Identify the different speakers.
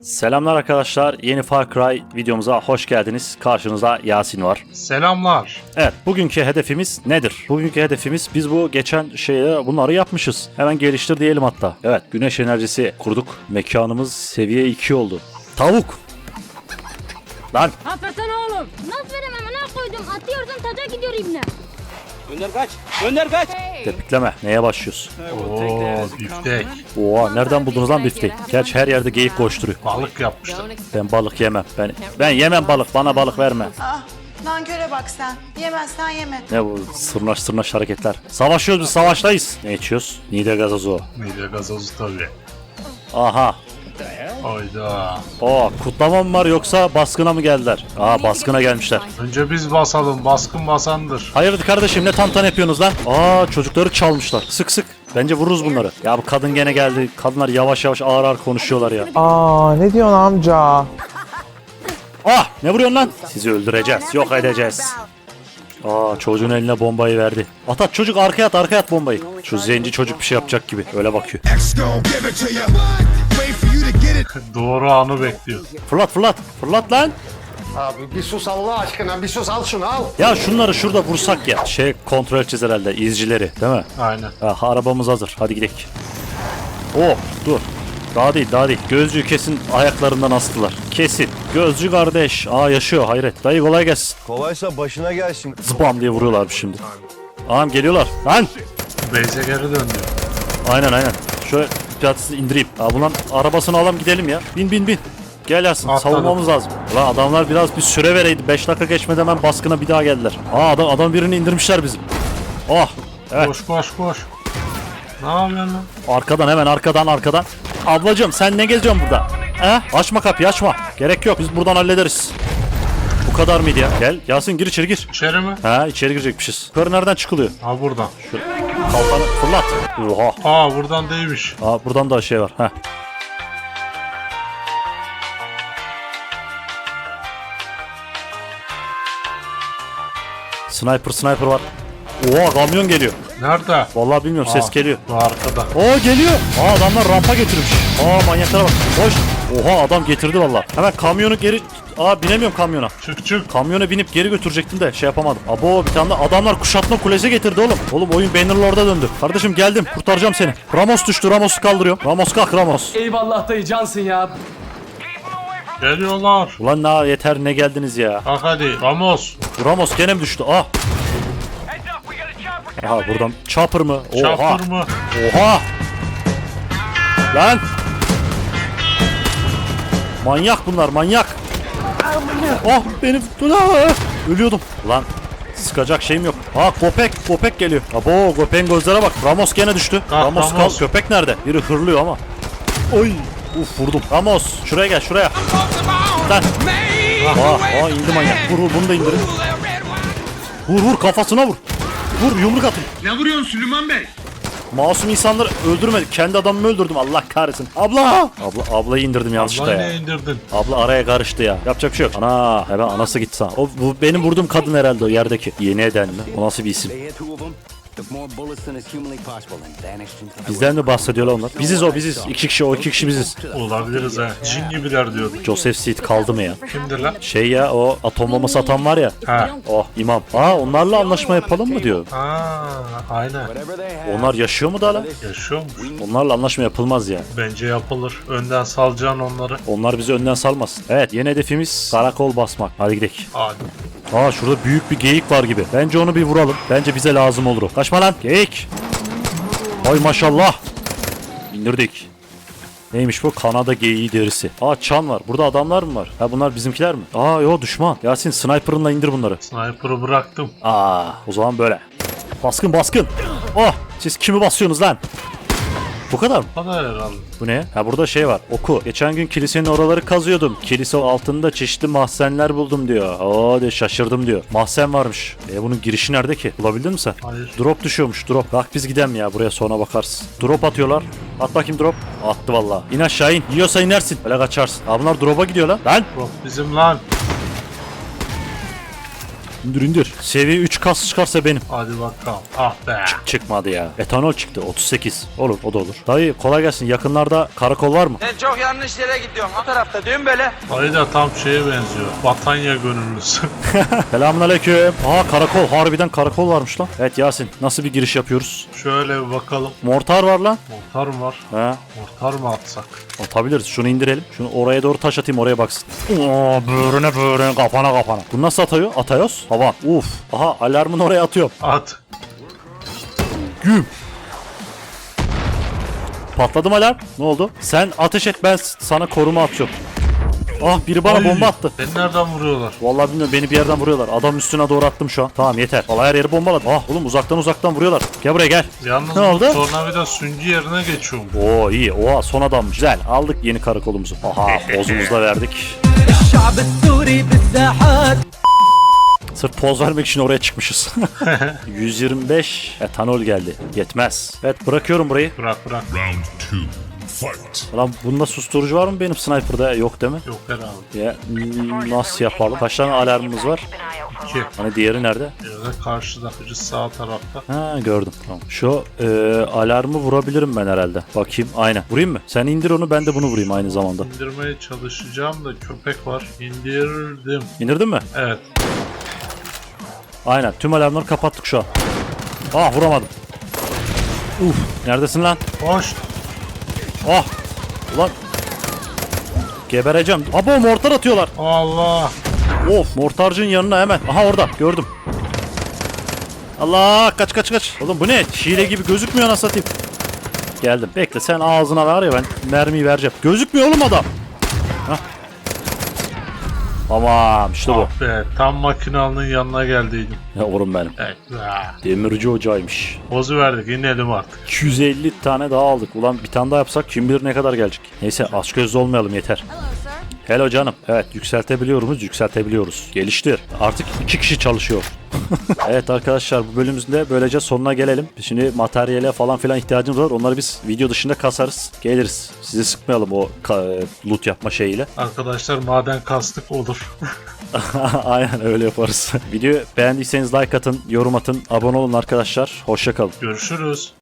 Speaker 1: Selamlar arkadaşlar. Yeni Far Cry videomuza hoş geldiniz. Karşınızda Yasin var.
Speaker 2: Selamlar.
Speaker 1: Evet, bugünkü hedefimiz nedir? Bugünkü hedefimiz biz bu geçen bunları yapmışız. Hemen geliştir diyelim hatta. Evet, güneş enerjisi kurduk. Mekanımız seviye 2 oldu. Tavuk. Lan.
Speaker 3: Afersene oğlum. Nasıl veremem ana koydum. Atıyorsun taca gidiyor ibne.
Speaker 4: Gönder kaç. Gönder kaç.
Speaker 1: Tepikleme. Neye başlıyoruz?
Speaker 2: Oo, biftek.
Speaker 1: Oha, nereden buldunuz lan bifteyi? Gerçi her yerde geyik koşturuyor.
Speaker 2: Balık yapmışlar.
Speaker 1: Ben balık yemem. Ben yemem balık. Bana balık verme.
Speaker 5: Ah, nanköre bak sen. Yemezsen yeme.
Speaker 1: Ne bu sırnaş hareketler? Savaşıyoruz biz, savaştayız. Ne içiyoruz? Nide gazozu.
Speaker 2: Mide gazozu tabii.
Speaker 1: Aha.
Speaker 2: Hayda.
Speaker 1: Kutlama mı var yoksa baskına mı geldiler? Baskına gelmişler.
Speaker 2: Önce biz basalım. Baskın basandır.
Speaker 1: Hayırdır kardeşim, ne tantan yapıyorsunuz lan? Çocukları çalmışlar. Sık sık. Bence vururuz bunları. Ya bu kadın gene geldi. Kadınlar yavaş yavaş ağır ağır konuşuyorlar ya.
Speaker 6: Ne diyorsun amca?
Speaker 1: Ne vuruyorsun lan? Sizi öldüreceğiz. Yok edeceğiz. Çocuğun eline bombayı verdi. At çocuk, arkaya at bombayı. Şu zenci çocuk bir şey yapacak gibi. Öyle bakıyor.
Speaker 2: Doğru anı bekliyor.
Speaker 1: Fırlat lan.
Speaker 7: Abi bir sus Allah aşkına, bir sus, al şunu al.
Speaker 1: Ya şunları şurada vursak ya. Kontrol edeceğiz herhalde izcileri, değil mi?
Speaker 2: Aynen.
Speaker 1: Arabamız hazır. Hadi gidelim. Dur. Daha değil. Gözcüğü kesin ayaklarından astılar. Kesin. Gözcü kardeş. Yaşıyor, hayret. Dayı kolay gelsin.
Speaker 8: Kolaysa başına gelsin.
Speaker 1: Zıbam diye vuruyorlar şimdi. Geliyorlar. Lan.
Speaker 2: Beyze geri döndü.
Speaker 1: Aynen. Şöyle piyatsız indireyim. Bunların arabasını alalım gidelim ya. Bin. Gel Yasin.
Speaker 2: Atladım.
Speaker 1: Savunmamız lazım. Ulan adamlar biraz bir süre vereydi. 5 dakika geçmeden hemen baskına bir daha geldiler. Adam birini indirmişler bizim. Evet.
Speaker 2: Koş. Ne yapıyorsun lan?
Speaker 1: Hemen arkadan. Ablacığım sen ne geziyorsun burada? Açma kapıyı, açma. Gerek yok, biz buradan hallederiz. Bu kadar mıydı ya? Gel Yasin, gir içeri gir.
Speaker 2: İçeri mi?
Speaker 1: İçeri girecekmişiz. Yukarı nereden çıkılıyor?
Speaker 2: Buradan.
Speaker 1: Kalkanı fırlat. Oha.
Speaker 2: Buradan değilmiş.
Speaker 1: Buradan da şey var. Sniper var. Kamyon geliyor.
Speaker 2: Nerede?
Speaker 1: Vallahi bilmiyorum, ses geliyor.
Speaker 2: Bu arkada.
Speaker 1: Geliyor. Adamlar rampa getirmiş. Manyaklara bak. Koş. Adam getirdi vallahi. Hemen kamyonu geri... binemiyorum kamyona.
Speaker 2: Çık.
Speaker 1: Kamyona binip geri götürecektim de yapamadım. Bir tane de adamlar kuşatma kulesi getirdi oğlum. Oğlum oyun Bannerlord'a döndü. Kardeşim geldim, kurtaracağım seni. Ramos düştü, Ramos'u kaldırıyorum. Ramos kalk Ramos.
Speaker 4: Eyvallah dayı cansın ya.
Speaker 2: Geliyorlar.
Speaker 1: Ulan yeter, ne geldiniz ya.
Speaker 2: Bak hadi. Ramos.
Speaker 1: Ramos gene mi düştü? Buradan chopper mı?
Speaker 2: Çapır mı?
Speaker 1: Lan. Manyak bunlar, manyak. Benim ölüyordum. Lan sıkacak şeyim yok. Köpek geliyor. Köpeğin gözlere bak. Ramos gene düştü. Ramos kal. Köpek nerede? Biri hırlıyor ama. Vurdum. Ramos şuraya gel, şuraya. Lan. İndi manyak. Vur bunu da indirin. Vur kafasına vur. Vur, yumruk atın.
Speaker 9: Ne vuruyorsun Süleyman Bey?
Speaker 1: Masum insanları öldürmedik. Kendi adamımı öldürdüm, Allah kahretsin. Ablayı indirdim yanlışlıkla
Speaker 2: Vallahi
Speaker 1: ya.
Speaker 2: ne indirdin?
Speaker 1: Abla araya karıştı ya. Yapacak bir şey yok. Hemen anası gitti sana. Bu benim vurduğum kadın herhalde, o yerdeki. Yeni eden mi? O nasıl bir isim? Bizden mi bahsediyorlar onlar? Biziz. 2 kişi, o 2 kişi biziz.
Speaker 2: Olabiliriz ha. Cin gibiler diyor.
Speaker 1: Joseph Seed kaldı mı ya?
Speaker 2: Kimdir lan?
Speaker 1: O atom bombası atan var ya. İmam. Onlarla anlaşma yapalım mı diyor.
Speaker 2: Aynen.
Speaker 1: Onlar yaşıyor mu da lan?
Speaker 2: Yaşıyormuş.
Speaker 1: Onlarla anlaşma yapılmaz ya.
Speaker 2: Bence yapılır. Önden salacaksın onları.
Speaker 1: Onlar bizi önden salmasın. Evet, yeni hedefimiz karakol basmak. Hadi gidelim.
Speaker 2: Hadi.
Speaker 1: Şurada büyük bir geyik var gibi. Bence onu bir vuralım. Bence bize lazım olur o. Kaçma lan. Geyik. Ay maşallah. İndirdik. Neymiş bu? Kanada geyiği derisi. Çan var. Burada adamlar mı var? Bunlar bizimkiler mi? Yo, düşman. Yasin sniper'ınla indir bunları.
Speaker 2: Sniper'ı bıraktım.
Speaker 1: O zaman böyle. Baskın. Siz kimi basıyorsunuz lan? Bu kadar mı?
Speaker 2: Bu kadar herhalde.
Speaker 1: Bu ne? Burada şey var. Oku. Geçen gün kilisenin oraları kazıyordum. Kilise altında çeşitli mahzenler buldum diyor. De şaşırdım diyor. Mahzen varmış. Bunun girişi nerede ki? Bulabildin mi sen?
Speaker 2: Hayır.
Speaker 1: Drop düşüyormuş, drop. Bak biz gidelim ya, buraya sonra bakarsın. Drop atıyorlar. At bakayım drop. Attı vallahi. İn aşağı in. Yiyorsa inersin. Öyle kaçarsın. Bunlar drop'a gidiyor lan. Lan.
Speaker 2: Drop bizim lan.
Speaker 1: İndir indir. Seviye 3 kas çıkarsa benim.
Speaker 2: Hadi bakalım. Ah be.
Speaker 1: Çıkmadı ya. Etanol çıktı 38. Olur o da olur. Dayı kolay gelsin. Yakınlarda karakol var mı?
Speaker 8: Sen çok yanlış yere gidiyorsun. O tarafta dön böyle.
Speaker 2: Dayı da tam şeye benziyor. Batanya gönüllüsü.
Speaker 1: Selamünaleyküm. Aa karakol. Harbiden karakol varmış lan. Evet Yasin. Nasıl bir giriş yapıyoruz?
Speaker 2: Şöyle bir bakalım.
Speaker 1: Mortar var lan.
Speaker 2: Mortar mı var?
Speaker 1: He.
Speaker 2: Mortar mı atsak?
Speaker 1: Atabiliriz. Şunu indirelim. Şunu oraya doğru taş atayım oraya baksın. Oo, böğrüne kafana. Bu nasıl atıyor? Atayos. Hava. Uf. Aha alarmını oraya atıyorum.
Speaker 2: At.
Speaker 1: Güm. Patladım alarm. Ne oldu? Sen ateş et ben sana koruma atıyorum. Ah biri bana
Speaker 2: Ay,
Speaker 1: bomba attı.
Speaker 2: Beni nereden vuruyorlar? Vallahi
Speaker 1: Bilmiyorum beni bir yerden vuruyorlar. Adam üstüne doğru attım şu an. Tamam yeter. Vallahi her yeri bombaladı. Ah oğlum uzaktan vuruyorlar. Gel buraya gel.
Speaker 2: Yalnız
Speaker 1: Ne oldu?
Speaker 2: tornavida süngü yerine geçiyorum.
Speaker 1: Oo iyi. Oha son adammış. Güzel. Aldık yeni karakolumuzu. Aha pozumuzu da verdik. Sırf poz vermek için oraya çıkmışız. 125 etanol geldi. Yetmez. Evet bırakıyorum burayı.
Speaker 2: Bırak.
Speaker 9: Round 2. Fight.
Speaker 1: Lan bunda susturucu var mı benim sniper'da? Yok değil mi?
Speaker 2: Yok herhalde.
Speaker 1: Ya nasıl yapalım? Kaç tane alarmımız var?
Speaker 2: 2.
Speaker 1: Hani diğeri nerede?
Speaker 2: Yerde karşıda. Biri sağ tarafta.
Speaker 1: Ha gördüm. Tamam. Şu alarmı vurabilirim ben herhalde. Bakayım. Aynen. Vurayım mı? Sen indir onu ben de bunu vurayım aynı zamanda.
Speaker 2: İndirmeye çalışacağım da köpek var. İndirdim.
Speaker 1: İndirdin mi?
Speaker 2: Evet.
Speaker 1: Aynen. Tüm alarmları kapattık şu an. Ah vuramadım. Uf. Neredesin lan?
Speaker 2: Hoş.
Speaker 1: Ah. Ulan. Gebereceğim. Abo mortar atıyorlar.
Speaker 2: Allah.
Speaker 1: Of mortarcının yanına hemen. Aha orada gördüm. Allah kaç. Oğlum bu ne? Şile gibi gözükmüyor nasıl satayım. Geldim. Bekle sen ağzına ver ya ben mermiyi vereceğim. Gözükmüyor oğlum adam. Hah. Tamam işte bu.
Speaker 2: Ah be. Tam makinalının yanına geldiydim.
Speaker 1: Ya oğlum benim.
Speaker 2: Evet.
Speaker 1: Demirci ocağıymış.
Speaker 2: Pozu verdik. İnelim artık.
Speaker 1: 250 tane daha aldık. Ulan bir tane daha yapsak kim bilir ne kadar gelecek. Neyse aç gözlü olmayalım yeter.
Speaker 3: Hello sir.
Speaker 1: Hello canım. Evet yükseltebiliyoruz. Geliştir. Artık 2 kişi çalışıyor. Evet arkadaşlar bu bölümümüzün de böylece sonuna gelelim. Şimdi materyale falan filan ihtiyacımız var. Onları biz video dışında kasarız. Geliriz. Sizi sıkmayalım o loot yapma şeyiyle.
Speaker 2: Arkadaşlar maden kastık olur.
Speaker 1: Aynen öyle yaparız. Videoyu beğendiyseniz like atın, yorum atın, abone olun arkadaşlar. Hoşça kalın.
Speaker 2: Görüşürüz.